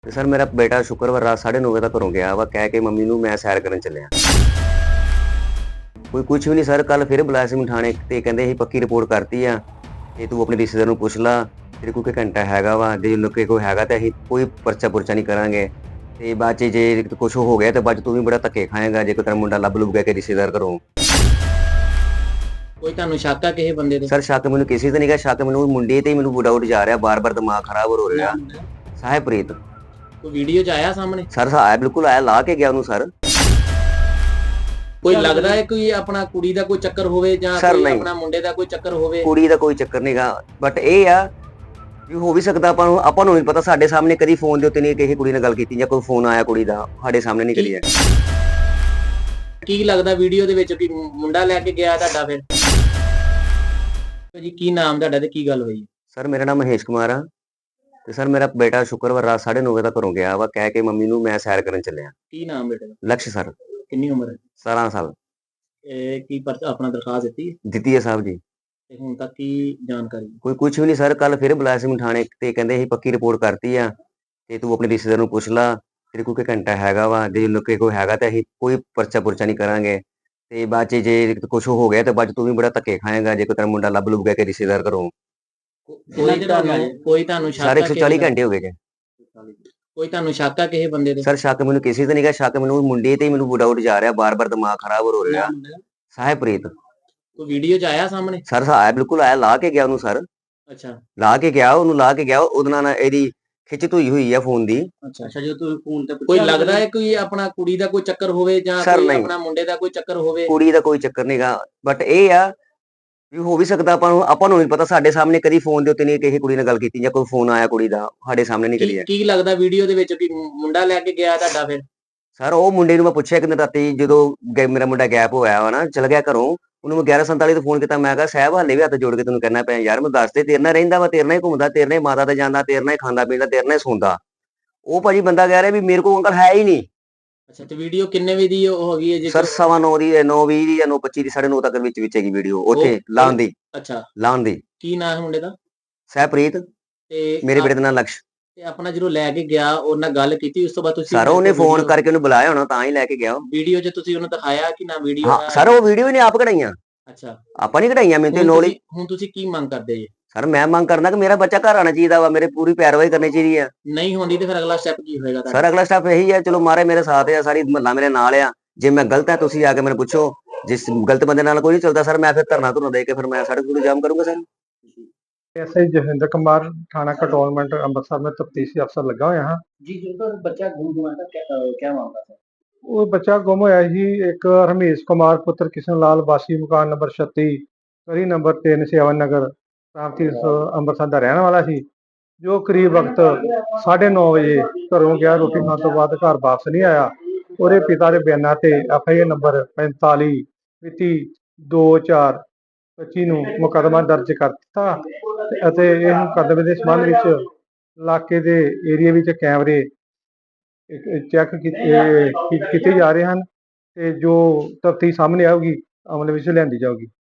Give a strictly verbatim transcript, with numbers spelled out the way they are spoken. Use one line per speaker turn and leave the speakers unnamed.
ਤੇ ਸਰ ਮੇਰਾ ਬੇਟਾ ਸ਼ੁੱਕਰਵਾਰ ਰਾਤ ਸਾਢੇ ਨੌ ਵਜੇ ਤੱਕ ਘਰੋਂ ਗਿਆ ਵਾ ਕਹਿ ਕੇ ਮੰਮੀ ਨੂੰ ਮੈਂ ਸੈਰ ਕਰਨ ਚੱਲਿਆ। ਕੋਈ ਕੁਝ ਵੀ ਨਹੀਂ ਸਰ, ਕੱਲ ਫਿਰ ਬੁਲਾਇਆ ਸੀ ਮੈਨੂੰ ਥਾਣੇ ਤੇ ਕਹਿੰਦੇ ਅਸੀਂ ਪੱਕੀ ਰਿਪੋਰਟ ਕਰਤੀ ਆ ਤੇ ਤੂੰ ਆਪਣੇ ਰਿਸ਼ਤੇਦਾਰ ਨੂੰ ਪੁੱਛ ਲਾ, ਤੇਰੇ ਕੋਲ ਕੋਈ ਘੰਟਾ ਹੈਗਾ ਵਾ, ਜੇ ਲੋਕੇ ਕੋਈ ਹੈਗਾ ਤਾਂ ਅਸੀਂ ਕੋਈ ਪਰਚਾ ਪੁਰਚਾ ਨਹੀਂ ਕਰਾਂਗੇ ਤੇ ਬਾਅਦ 'ਚ ਜੇ ਕੁਝ ਹੋ ਗਿਆ ਤੇ ਬਾਅਦ 'ਚ ਤੂੰ ਵੀ ਬੜਾ ਧੱਕੇ ਖਾਏਗਾ ਜੇ ਕੋਈ ਤੇਰਾ ਮੁੰਡਾ ਲੱਭ ਲੁੱਭ ਗਿਆ ਕਿ ਰਿਸ਼ਤੇਦਾਰ ਘਰੋਂ।
ਕੋਈ ਤੁਹਾਨੂੰ ਸ਼ੱਕ ਆ ਕਿਸੇ ਬੰਦੇ ਤੇ?
ਸਰ ਸ਼ੱਕ ਮੈਨੂੰ ਕਿਸੇ ਤੇ ਨਹੀਂ ਗਾ, ਸ਼ੱਕ ਮੈਨੂੰ ਮੁੰਡੇ ਤੇ ਹੀ ਮੈਨੂੰ ਡਾਊਟ ਜਾ ਰਿਹਾ, ਬਾਰ-ਬਾਰ ਦਿਮਾਗ ਖਰਾਬ ਹੋ ਰਿਹਾ। ਸਾਹਿਬਪ੍ਰੀਤ।
ਕੋਈ ਵੀਡੀਓ ਚ ਆਇਆ ਸਾਹਮਣੇ?
ਸਰ ਆਇਆ, ਬਿਲਕੁਲ ਆਇਆ, ਲਾ ਕੇ ਗਿਆ ਉਹਨੂੰ ਸਰ।
ਕੋਈ ਲੱਗਦਾ ਹੈ ਕੋਈ ਆਪਣਾ ਕੁੜੀ ਦਾ ਕੋਈ ਚੱਕਰ ਹੋਵੇ ਜਾਂ
Sir,
ਕੋਈ
ਨਹੀਂ।
ਆਪਣਾ ਮੁੰਡੇ ਦਾ ਕੋਈ ਚੱਕਰ ਹੋਵੇ?
ਕੁੜੀ ਦਾ ਕੋਈ ਚੱਕਰ ਨਹੀਂਗਾ, ਬਟ ਇਹ ਆ ਵੀ ਹੋ ਵੀ ਸਕਦਾ, ਆਪਾਂ ਨੂੰ ਆਪਾਂ ਨੂੰ ਨਹੀਂ ਪਤਾ, ਸਾਡੇ ਸਾਹਮਣੇ ਕਦੀ ਫੋਨ ਦੇ ਉੱਤੇ ਨਹੀਂ ਕਿਸੇ ਕੁੜੀ ਨਾਲ ਗੱਲ ਕੀਤੀ ਜਾਂ ਕੋਈ ਫੋਨ ਆਇਆ ਕੁੜੀ ਦਾ ਸਾਡੇ ਸਾਹਮਣੇ ਨਹੀਂ ਕਰੀ ਹੈ।
ਕੀ ਲੱਗਦਾ ਵੀਡੀਓ ਦੇ ਵਿੱਚ ਕਿ ਮੁੰਡਾ ਲੈ ਕੇ ਗਿਆ ਤੁਹਾਡਾ? ਫਿਰ ਜੀ ਕੀ ਨਾਮ ਤੁਹਾਡਾ ਤੇ ਕੀ ਗੱਲ ਹੋਈ?
ਸਰ ਮੇਰਾ ਨਾਮ ਮਹੇਸ਼ ਕੁਮਾਰ ਆ ਤੇ ਸਰ ਮੇਰਾ ਬੇਟਾ ਸ਼ੁੱਕਰਵਾਰ ਰਾਤ ਸਾਢੇ ਨੌ ਵਜੇ ਤੱਕ ਘਰੋਂ ਗਿਆ ਵਾ ਕਹਿ ਕੇ ਮੰਮੀ ਨੂੰ ਮੈਂ ਸੈਰ ਕਰਨ ਚੱਲਿਆ।
ਕੀ ਨਾਮ ਬੇਟੇ ਦਾ?
ਲਕਸ਼ ਸਰ।
ਕਿੰਨੀ ਉਮਰ ਹੈ?
ਸਤਾਰਾਂ ਸਾਲ।
ਇਹ ਕੀ ਪਰ ਆਪਣਾ ਦਰਖਾਸਤ ਦਿੱਤੀ
ਦਿੱਤੀ ਹੈ ਸਾਹਿਬ ਜੀ।
ਤੇ ਹੁਣ ਤੱਕ ਕੀ ਜਾਣਕਾਰੀ?
ਕੋਈ ਕੁਝ ਵੀ ਨਹੀਂ ਸਰ, ਕੱਲ ਫਿਰ ਬੁਲਾਇਆ ਸੀ ਮੈਨੂੰ ਥਾਣੇ ਤੇ ਕਹਿੰਦੇ ਅਸੀਂ ਪੱਕੀ ਰਿਪੋਰਟ ਕਰਤੀ ਆ ਤੇ ਤੂੰ ਆਪਣੇ ਰਿਸ਼ਤੇਦਾਰ ਨੂੰ ਪੁੱਛ ਲਾ, ਤੇਰੇ ਕੋਲ ਕੋਈ ਘੰਟਾ ਹੈਗਾ ਵਾ, ਜੇ ਲੋਕੇ ਕੋਈ ਹੈਗਾ ਤਾਂ ਅਸੀਂ ਕੋਈ ਪਰਚਾ ਪੁਰਚਾ ਨਹੀਂ ਕਰਾਂਗੇ ਤੇ ਬਾਅਦ 'ਚ ਜੇ ਕੁਝ ਹੋ ਗਿਆ ਤੇ ਬਾਅਦ 'ਚ ਤੂੰ ਵੀ ਬੜਾ ਧੱਕੇ ਖਾਏਗਾ ਜੇ ਕੋਈ ਤੇਰਾ ਮੁੰਡਾ ਲੱਭ ਲੁੱਭ ਗਿਆ ਕਿ ਰਿਸ਼ਤੇਦਾਰ ਘਰੋਂ।
ਕੋਈ ਤੁਹਾਨੂੰ ਕੋਈ ਤੁਹਾਨੂੰ ਸ਼ੱਕ
ਸਰ
ਆ
ਇੱਕ ਸੌ ਚਾਲੀ ਘੰਟੇ ਹੋ ਗਏ ਜੇ।
ਕੋਈ ਤੁਹਾਨੂੰ ਸ਼ੱਕ ਆ ਕਿਸੇ ਬੰਦੇ ਤੇ?
ਸਰ ਸ਼ੱਕ ਮੈਨੂੰ ਕਿਸੇ ਤੇ ਨਹੀਂਗਾ, ਸ਼ੱਕ ਮੈਨੂੰ ਮੁੰਡੇ ਤੇ ਹੀ ਮੈਨੂੰ ਡਾਊਟ ਜਾ ਰਿਹਾ, ਬਾਰ-ਬਾਰ ਦਿਮਾਗ ਖਰਾਬ ਹੋ ਰਿਹਾ। ਸਾਹਿਬਪ੍ਰੀਤ।
ਕੋਈ ਵੀਡੀਓ ਚ ਆਇਆ ਸਾਹਮਣੇ?
ਸਰ ਆਇਆ, ਬਿਲਕੁਲ ਆਇਆ, ਲਾ ਕੇ ਗਿਆ ਉਹਨੂੰ ਸਰ।
ਅੱਛਾ
ਲਾ ਕੇ ਗਿਆ ਉਹਨੂੰ, ਲਾ ਕੇ ਗਿਆ ਉਹਦੇ ਨਾਲ ਇਹਦੀ ਖਿੱਚ ਧੂਈ ਹੋਈ ਆ ਫੋਨ ਦੀ।
ਅੱਛਾ ਅੱਛਾ ਜੋ ਤੁਸੀਂ ਫੋਨ ਤੇ ਕੋਈ ਲੱਗਦਾ ਹੈ ਕੋਈ ਆਪਣਾ ਕੁੜੀ ਦਾ ਕੋਈ ਚੱਕਰ ਹੋਵੇ ਜਾਂ
Sir,
ਕੋਈ
ਨਹੀਂ।
ਆਪਣਾ ਮੁੰਡੇ ਦਾ ਕੋਈ ਚੱਕਰ ਹੋਵੇ?
ਕੁੜੀ ਦਾ ਕੋਈ ਚੱਕਰ ਨਹੀਂਗਾ, ਬਟ ਇਹ ਆ ਵੀ ਹੋ ਵੀ ਸਕਦਾ, ਆਪਾਂ ਨੂੰ ਆਪਾਂ ਨੂੰ ਨਹੀਂ ਪਤਾ, ਸਾਡੇ ਸਾਹਮਣੇ ਕਦੀ ਫੋਨ ਦੇ ਉੱਤੇ ਨਹੀਂ ਕਿਸੇ ਕੁੜੀ ਨਾਲ ਗੱਲ ਕੀਤੀ ਜਾਂ ਕੋਈ ਫੋਨ ਆਇਆ ਕੁੜੀ ਦਾ ਸਾਡੇ ਸਾਹਮਣੇ ਨਹੀਂ ਕਰੀ ਹੈ।
ਕੀ ਕੀ ਲੱਗਦਾ ਵੀਡੀਓ ਦੇ ਵਿੱਚ ਕਿ ਮੁੰਡਾ ਲੈ ਕੇ ਗਿਆ ਤੁਹਾਡਾ? ਫਿਰ
ਸਰ ਉਹ ਮੁੰਡੇ ਨੂੰ ਮੈਂ ਪੁੱਛਿਆ ਕਿ ਰਾਤੀ ਜਦੋਂ ਗੈ- ਮੇਰਾ ਮੁੰਡਾ ਗੈਪ ਹੋਇਆ ਵਾ ਨਾ, ਚਲ ਗਿਆ ਘਰੋਂ, ਉਹਨੂੰ ਮੈਂ ਗਿਆਰਾਂ ਸੰਤਾਲੀ ਤੇ ਫੋਨ ਕੀਤਾ, ਮੈਂ ਕਿਹਾ ਸਾਹਿਬ ਹਾਲੇ ਵੀ ਹੱਥ ਜੋੜ ਕੇ ਤੈਨੂੰ ਕਹਿਣਾ ਪਿਆ ਯਾਰ, ਮੈਂ ਦੱਸ ਦੇ, ਤੇਰੇ ਨਾਲ ਰਹਿੰਦਾ ਵਾ, ਤੇਰੇ ਨਾਲ ਹੀ ਘੁੰਮਦਾ, ਤੇਰੇ ਨਾਲ ਹੀ ਮਾਤਾ ਤੇ ਜਾਂਦਾ, ਤੇਰੇ ਨਾਲ ਹੀ ਖਾਂਦਾ ਪੀਂਦਾ, ਤੇਰੇ ਨਾਲ ਹੀ ਸੌਂਦਾ। ਉਹ ਭਾਜੀ ਬੰਦਾ ਕਹਿ ਰਿਹਾ ਵੀ ਮੇਰੇ ਕੋਲ ਅੰਕਲ ਹੈ ਹੀ ਨਹੀਂ।
ਅੱਛਾ ਤੇ ਵੀਡੀਓ ਕਿੰਨੇ ਵਜੇ ਦੀ ਉਹ ਹੈਗੀ ਹੈ ਜੀ?
ਸਰ ਸਵਾ ਨੌ ਦੀ, ਨੌ ਵੀਹ ਦੀ ਜਾਂ ਨੌ ਪੱਚੀ ਦੀ, ਸਾਢੇ ਨੌ ਤੱਕ ਵਿੱਚ ਵਿੱਚ ਹੈਗੀ ਵੀਡੀਓ ਉੱਥੇ ਲਾਉਣ ਦੀ।
ਅੱਛਾ
ਲਾਉਣ ਦੀ।
ਕੀ ਨਾਮ ਹੈ ਮੁੰਡੇ ਦਾ?
ਸਾਹਿਬਪ੍ਰੀਤ।
ਤੇ
ਮੇਰੇ ਬੇਟੇ ਦਾ ਨਾਮ ਲਕਸ਼।
ਤੇ ਆਪਣਾ ਜਦੋਂ ਲੈ ਕੇ ਗਿਆ ਉਹਨਾਂ ਨਾਲ ਗੱਲ ਕੀਤੀ ਉਸ ਤੋਂ ਬਾਅਦ ਤੁਸੀਂ?
ਸਰ ਉਹਨੇ ਫੋਨ ਕਰਕੇ ਉਹਨੂੰ ਬੁਲਾਇਆ ਹੋਣਾ ਤਾਂ ਹੀ ਲੈ ਕੇ ਗਿਆ।
ਵੀਡੀਓ 'ਚ ਤੁਸੀਂ ਉਹਨੂੰ ਦਿਖਾਇਆ ਕਿ ਨਾ ਵੀਡੀਓ?
ਹਾਂ ਸਰ ਉਹ ਵੀਡੀਓ ਹੀ ਨੇ ਆਪ ਕਢਾਈਆਂ।
ਅੱਛਾ
ਆਪਾਂ ਨਹੀਂ ਕਢਾਈਆਂ, ਮੈਨੂੰ ਤੇ
ਹੁਣ
ਨੌਲੇਜ।
ਤੁਸੀਂ- ਹੁਣ ਤੁਸੀਂ ਕੀ ਮੰਗ ਕਰਦੇ ਜੀ?
ਸਰ ਮੈਂ ਮੰਗ ਕਰਦਾ ਕਿ ਮੇਰਾ ਬੱਚਾ ਘਰ ਆਣਾ ਚਾਹੀਦਾ ਵਾ, ਮੇਰੇ ਪੂਰੀ ਪੈਰਵਾਈ ਕਰਨੀ ਚਾਹੀਦੀ ਆ।
ਨਹੀਂ ਹੁੰਦੀ ਤੇ ਫਿਰ ਅਗਲਾ ਸਟੈਪ ਕੀ ਹੋਏਗਾ ਤੁਹਾਡਾ?
ਸਰ ਅਗਲਾ ਸਟੈਪ ਇਹੀ ਹੈ, ਚਲੋ ਮਾਰੇ ਮੇਰੇ ਸਾਥ ਆ, ਸਾਰੀ ਮਹੱਲਾ ਮੇਰੇ ਨਾਲ ਆ, ਜੇ ਮੈਂ ਗਲਤ ਹੈ ਤੁਸੀਂ ਆ ਕੇ ਮੈਨੂੰ ਪੁੱਛੋ, ਜਿਸ ਗਲਤ ਬੰਦੇ ਨਾਲ ਕੋਈ ਨਹੀਂ ਚੱਲਦਾ ਸਰ, ਮੈਂ ਫਿਰ ਧਰਨਾ ਧੁਰਨਾ ਦੇ ਕੇ ਫਿਰ ਮੈਂ ਸੜਕ ਨੂੰ ਜਾਮ ਕਰੂੰਗਾ ਸਰ।
ਐਸਆਈ ਜਸਵਿੰਦਰ ਕੁਮਾਰ थाना कंटोनमेंट ਅੰਮ੍ਰਿਤਸਰ में तफ्तीशी अफसर लगा हुआ ਹਾਂ
जी जो बच्चा गुम हुआ था क्या क्या मामला था?
ਉਹ ਬੱਚਾ ਗੁੰਮ ਹੋਇਆ ਸੀ ਇੱਕ ਰਮੇਸ਼ ਕੁਮਾਰ ਪੁੱਤਰ ਕਿਸ਼ਨ ਲਾਲ ਵਾਸੀ ਮਕਾਨ ਨੰਬਰ ਛੱਤੀ ਗਲੀ ਨੰਬਰ ਤਿੰਨ ਸੇਵਨ ਨਗਰ ਰਾਮਤੀਰਥ ਅੰਮ੍ਰਿਤਸਰ ਦਾ ਰਹਿਣ ਵਾਲਾ ਸੀ, ਜੋ ਕਰੀਬ ਵਕਤ ਸਾਢੇ ਨੌ ਵਜੇ ਘਰੋਂ ਗਿਆ, ਰੋਟੀ ਖਾਣ ਤੋਂ ਬਾਅਦ ਘਰ ਵਾਪਸ ਨਹੀਂ ਆਇਆ। ਉਹਦੇ ਪਿਤਾ ਦੇ ਬਿਆਨਾਂ ਤੇ ਐਫ ਆਈ ਆਰ ਨੰਬਰ ਪੈਂਤਾਲੀ ਮਿਤੀ ਦੋ ਚਾਰ ਪੱਚੀ ਨੂੰ ਮੁਕੱਦਮਾ ਦਰਜ ਕਰ ਦਿੱਤਾ ਅਤੇ ਇਹ ਮੁਕੱਦਮੇ ਦੇ ਸੰਬੰਧ ਵਿੱਚ ਇਲਾਕੇ ਦੇ ਏਰੀਆ ਵਿੱਚ ਕੈਮਰੇ ਚੈੱਕ ਕੀਤੇ ਕੀਤੇ ਜਾ ਰਹੇ ਹਨ ਤੇ ਜੋ ਤਫਤੀਸ਼ ਸਾਹਮਣੇ ਆਊਗੀ ਅਮਲ ਵਿੱਚ ਲਿਆਂਦੀ ਜਾਊਗੀ।